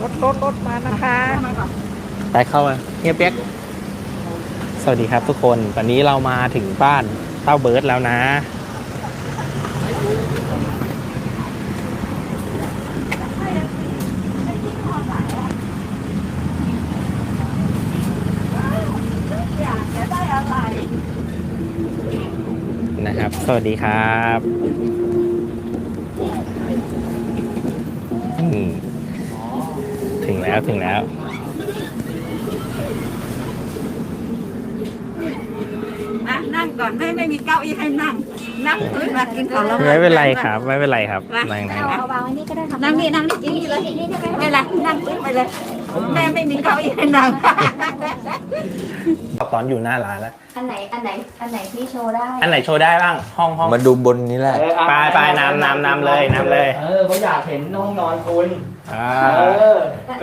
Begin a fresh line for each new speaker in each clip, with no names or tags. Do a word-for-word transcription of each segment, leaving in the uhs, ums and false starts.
รถรถรถมานะคะ
ไปเข้ามาเฮียเปียกสวัสดีครับทุกคนตอนนี้เรามาถึงบ้านเต้าเบิร์ดแล้วนะนะครับ สวัสดีครับอืมถึงแล้วถึงแล้ว
อ่ะนั่งก่อนไม่ไม่มีเก้าอี้ให้นั่งนั่งพื้นมากินของเรา
ไม่เป็นไรครับไม่เป็นไรครับนั่ง
เอาเอาวางไว้นี่ก็ได้ค่ะ
นั่งนี่นั่งนี่กินนี่เลยนี่ได้ไหมไม่เป็นไรนั่งพื้นไปเลยแม่ไม่มีเก้าอี้ให้นั่ง
ตอนอยู่หน้าร้านแล้ว
อันไหนอันไหนอันไหนที่โชว์ได้
อันไหนโชว์ได้บ้างห้องห้อง
มาดูบนนี้แหละ
ไปไปน้ำน้ำน้ำเลยน้ำเลย
เออเขาอยากเห็นห้องนอนคุณ
อ่า
เออ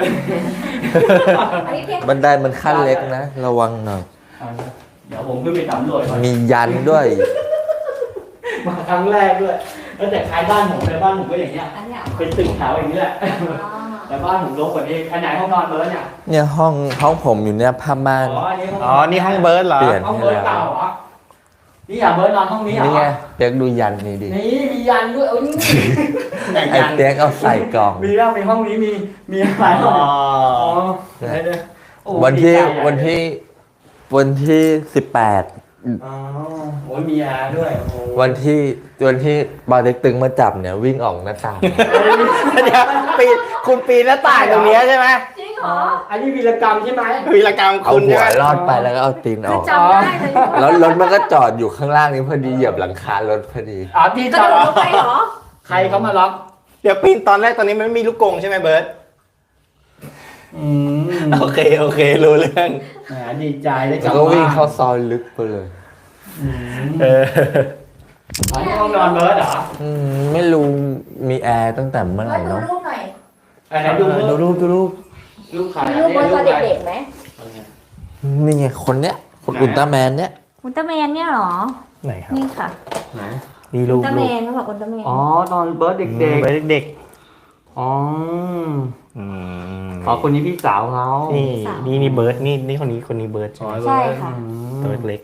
อันนี้เพียง
บันไดมันขั้นเล็กนะ ระวังหน่อย
เดี๋ยวผมขึ้นไปสำรวจก่อน
มียันด้วย
มาครั้งแรกด้วยแล้วแต่คล้ายบ้านผมเลยบ้านผมก็อย่างเงี้ย
อันเนี้ย
เป็นตึกแถวอย่างนี้แหละ
อ๋อ
แต่บ้านผมรกกว่านี้อันไหนห้องนอนเบิร์ดเนี่ย
เนี่ยห้องห้องผมอยู่เนี่ยผ้าม่าน
อ๋ออันนี้ห้อง
อ๋อนี่ห้องเบิร์ดเหรอ
เปลี่ยน
ห้องเบิร์ดเก่าเหรอนี่อย่าเบิร์ดนอนห้องนี้เหรอ
นี่ไงเปียกดูยันนี่ดิ
นี่มียันด้วยเอ้ย
ไอ้เปียกเอาใส่กล่อง
มีแล้วมีห้องนี้มีมีอะไร
อ๋อ
อ๋อเดี๋ยวเดี๋ยวโอ้
วันที่
ดีใจใหญ่
วันที่วันที่สิบแปด
อ๋อโอ้ยมีอาด้วยโอ้
วันที่วันที่บาเต็กตึงมาจับเนี่ยวิ่งออกหน้าต่าง
เดี๋ยวปีนคุณปีนหน้าต่างตรงเนี้ยใช่ไหม
จริงเหรอ
อันนี้วีรกรรมใช่ไหม
วีรกรรม
เอา
คุณ
หัว
ใช่ไหม
รอดไปแล้วก็เอาตีนอ
คือ
อก
จำได้เลย
แล้วรถมันก็จอดอยู่ข้างล่างนี้พอดีเหยียบหลังคารถพอดี
อ๋อที่
กระ
จอ
โด
ด
ดลงไปเหรอ
ใครเขามาล็อก
เดี๋ยวปีนตอนแรกตอนนี้มันไม่มีลูกกรงใช่ไหมเบิร์ด
อืม
โอเคโอเครู้เรื่อง
แหมดีใจได้ก
แล้
ลั
ว
บ
ก็วิ่ง
บ้าน
เข้าซอยลึกไปเลย
อืม
เออ
อันนี้ห้องนอนเบิร์ดเหรอ
อืมไม่รู้มีแอร์ตั้งแต่เมื่อไห
มา
ร่
ดู
เนาะ
รูปหน่อย
อันไหนดู
ดูรูปดูรูป
ลูกใคร
มีรูปบนตอนเด็กๆไหม
นี่ไงคนเนี้ยคนอุลตร้าแมนเนี้ย
อุลตร้าแมนเนี่ยเหรอ
ไหนครับ
นี่ค่ะ
ไหน
นี่
อุ
ลู
ล
ก
ตร้า
ลู
แม
ก
นเขาบอกอุลตร้าแมน
อ๋อตอนเบิร์ดเด็ก
เบิร์ดเด็ก
ๆอ๋อ
ๆอืม
อ๋อคนนี้พี่สาวเขา
นี่นี่นี่เบิร์ดนี่นี่คนนี้คนนี้เบิร์ดใช่ไหม
ใช่ค่ะ
อืม
ตัวเล็ก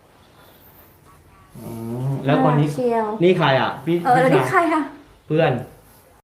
อืมแล้วคนนี้
เชียว
นี่ใครอ่ะพี่
เออแล้วนี่
พี่
ใคร
สาว
อ่ะ
เพื่อน